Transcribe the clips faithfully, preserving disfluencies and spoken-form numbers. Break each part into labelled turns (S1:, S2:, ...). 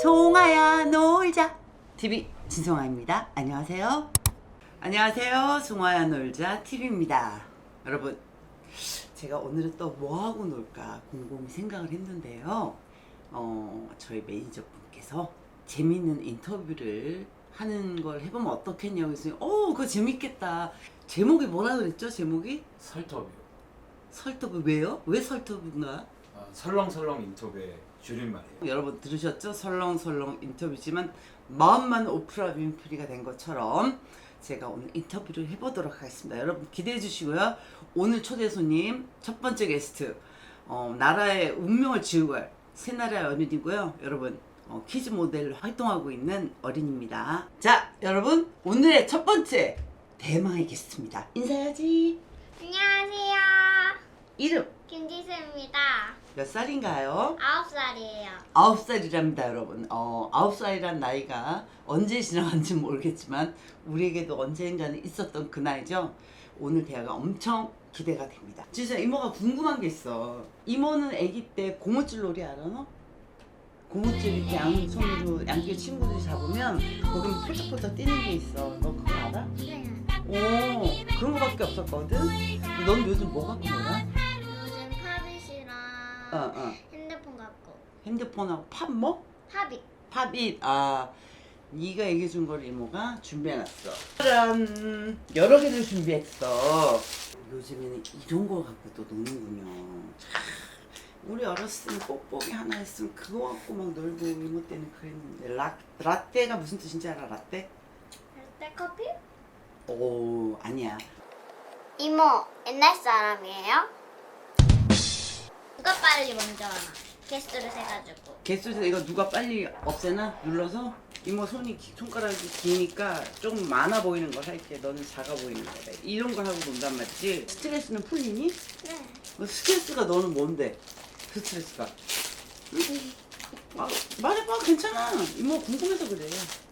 S1: 송아야 놀자 티비 진송아입니다. 안녕하세요. 안녕하세요. 송아야 놀자 티비입니다. 여러분, 제가 오늘은 또 뭐하고 놀까 곰곰이 생각을 했는데요. 어, 저희 매니저분께서 재미있는 인터뷰를 하는 걸 해보면 어떻겠냐고 했어요. 어, 그거 재밌겠다. 제목이 뭐라 그랬죠? 제목이?
S2: 설터뷰.
S1: 설터브. 왜요? 왜 설터브인가?
S2: 아, 설렁설렁 인터뷰의 줄임말이에요.
S1: 여러분 들으셨죠? 설렁설렁 인터뷰지만 마음만 오프라 윈프리가 된 것처럼 제가 오늘 인터뷰를 해보도록 하겠습니다. 여러분 기대해 주시고요. 오늘 초대 손님 첫 번째 게스트, 어, 나라의 운명을 지우갈 새나라의 어린이고요. 여러분 어, 키즈 모델로 활동하고 있는 어린입니다. 자, 여러분 오늘의 첫 번째 대망의 게스트입니다. 인사해야지.
S3: 안녕하세요.
S1: 이름
S3: 김지수입니다.
S1: 몇 살인가요?
S3: 아홉 살이에요.
S1: 아홉 살이랍니다, 여러분. 어, 아홉 살이란 나이가 언제 지나간지 모르겠지만 우리에게도 언젠가는 있었던 그 나이죠. 오늘 대화가 엄청 기대가 됩니다. 진짜 이모가 궁금한 게 있어. 이모는 아기 때 고무줄 놀이 알아, 너? 고무줄 이렇게 양손으로 양쪽 친구들이 잡으면 거기 폴짝폴짝 뛰는 게 있어. 너 그거 알아?
S3: 네.
S1: 오, 그런 거밖에 없었거든? 근데 넌 요즘 뭐 갖고 놀아?
S3: 요즘 팝잇이랑
S1: 어, 어.
S3: 핸드폰 갖고.
S1: 핸드폰하고 팝 뭐?
S3: 팝잇.
S1: 팝잇. 아, 네가 얘기해 준 걸 이모가 준비해놨어. 짜란, 여러 개를 준비했어. 요즘에는 이런 거 갖고 또 노는군요. 참, 우리 어렸을 때는 뽁뽁이 하나 있으면 그거 갖고 막 놀고 이모 때는 그랬는데. 라, 라떼가 무슨 뜻인지 알아? 라떼?
S3: 라떼 커피?
S1: 오, 아니야.
S3: 이모, 옛날 사람이에요? 누가 빨리 먼저 하나? 개수를 세가지고.
S1: 개수에서 이거 누가 빨리 없애나? 눌러서? 이모 손이 기- 손가락이 기니까 좀 많아 보이는 걸 할게. 너는 작아 보이는 거래. 이런 걸 하고 논단 말이지. 스트레스는 풀리니?
S3: 네.
S1: 뭐 스트레스가 너는 뭔데? 스트레스가. 응? 아, 말해봐. 괜찮아. 이모 궁금해서 그래.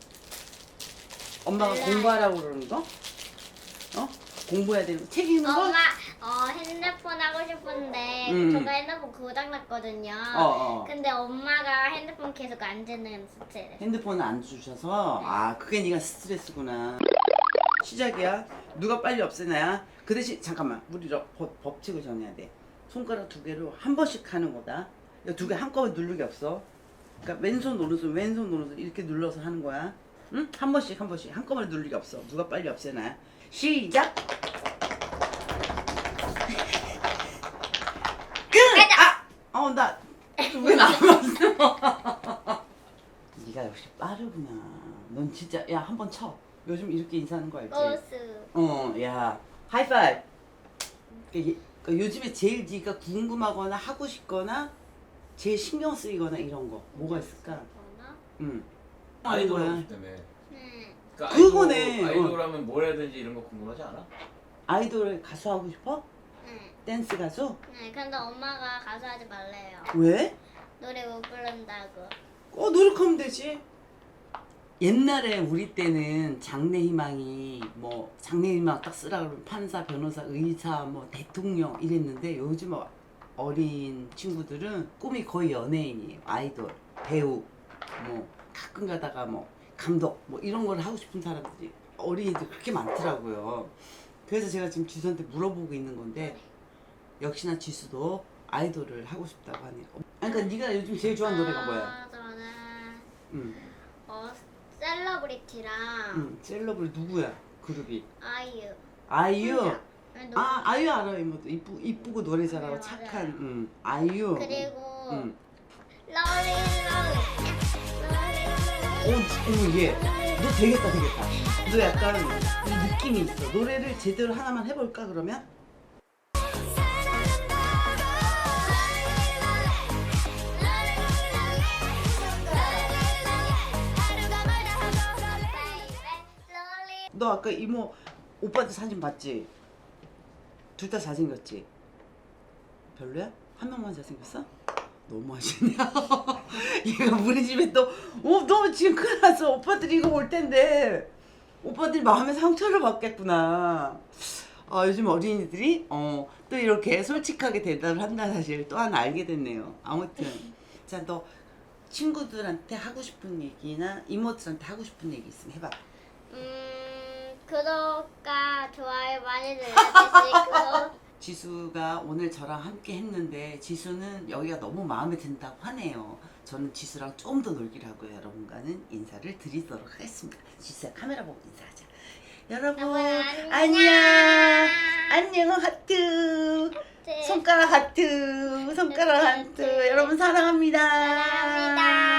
S1: 엄마가
S3: 몰라요.
S1: 공부하라고 그러는 거? 어? 공부해야 되는 거? 책 읽는 거?
S3: 엄마, 어, 핸드폰 하고 싶은데
S1: 음.
S3: 제가 핸드폰 고장났거든요.
S1: 어, 어.
S3: 근데 엄마가 핸드폰 계속 안 주는 스트레스.
S1: 핸드폰을 안 주셔서 아 그게 네가 스트레스구나. 시작이야. 누가 빨리 없애나야. 그 대신 잠깐만 우리 저 법, 법칙을 정해야 돼. 손가락 두 개로 한 번씩 하는 거다. 두 개 한꺼번에 누를 게 없어. 그러니까 왼손 오른손 왼손 오른손 이렇게 눌러서 하는 거야. 응? 한 번씩 한 번씩 한꺼번에 누를 게 없어. 누가 빨리 없애나야. 시작. 끝. 아, 어 나 왜 남았어? 네가 역시 빠르구나. 넌 진짜 야 한 번 쳐. 요즘 이렇게 인사하는 거 알지?
S3: 고수.
S1: 어, 야 하이파이브. 그, 그 요즘에 제일 네가 궁금하거나 하고 싶거나 제일 신경 쓰이거나 이런 거 뭐가 있을까?
S3: 뭐나?
S1: 응.
S2: 아이돌
S1: 뭐야?
S2: 하고 싶다며.
S3: 네.
S2: 그러니까
S1: 그거네.
S2: 아이돌, 아이돌 하면 뭘 해야되는지 이런 거 궁금하지 않아?
S1: 아이돌 가수 하고 싶어?
S3: 네.
S1: 댄스 가수?
S3: 네, 근데 엄마가 가수 하지 말래요.
S1: 왜?
S3: 노래 못 부른다고.
S1: 어 노력하면 되지. 옛날에 우리 때는 장래희망이 뭐 장래희망 딱 쓰라 그러면 판사, 변호사, 의사, 뭐 대통령 이랬는데 요즘 어린 친구들은 꿈이 거의 연예인이에요. 아이돌, 배우, 뭐 가끔 가다가 뭐 감독 뭐 이런 걸 하고 싶은 사람들이 어린이들 그렇게 많더라고요. 그래서 제가 지금 지수한테 물어보고 있는 건데 역시나 지수도 아이돌을 하고 싶다고 하네요. 아니, 그러니까 네가 요즘 제일 좋아하는 노래가 뭐야?
S3: 아, 저는
S1: 응.
S3: 어 셀러브리티랑
S1: 응, 셀러브리 누구야? 그룹이
S3: 아이유.
S1: 아이유.
S3: 혼자. 아니, 노-
S1: 아 아이유 알아요. 이모도 이쁘 이쁘고 노래 잘하고
S3: 네,
S1: 착한.
S3: 맞아요.
S1: 응, 아이유.
S3: 그리고
S1: 응.
S3: 러리 러리.
S1: 오, 어머 얘. 너 되겠다 되겠다. 너 약간 이 느낌이 있어. 노래를 제대로 하나만 해볼까 그러면? 너 아까 이모 오빠한테 사진 봤지? 둘 다 잘생겼지? 별로야? 한 명만 잘생겼어? 너무 하시냐? 얘가 우리 집에 또, 어, 너 지금 큰일 났어. 오빠들이 이거 올 텐데. 오빠들이 마음의 상처를 받겠구나. 아, 요즘 어린이들이, 어, 또 이렇게 솔직하게 대답을 한다는 사실 또 하나 알게 됐네요. 아무튼. 자, 너 친구들한테 하고 싶은 얘기나 이모들한테 하고 싶은 얘기 있으면 해봐.
S3: 음, 구독과 좋아요 많이 눌러주시고
S1: 지수가 오늘 저랑 함께 했는데 지수는 여기가 너무 마음에 든다고 하네요. 저는 지수랑 좀 더 놀기로 하고요. 여러분과는 인사를 드리도록 하겠습니다. 지수야 카메라 보고 인사하자. 여러분
S3: 여러분, 안녕.
S1: 안녕. 안녕 하트.
S3: 네.
S1: 손가락 하트. 손가락 하트. 여러분 사랑합니다.
S3: 사랑합니다.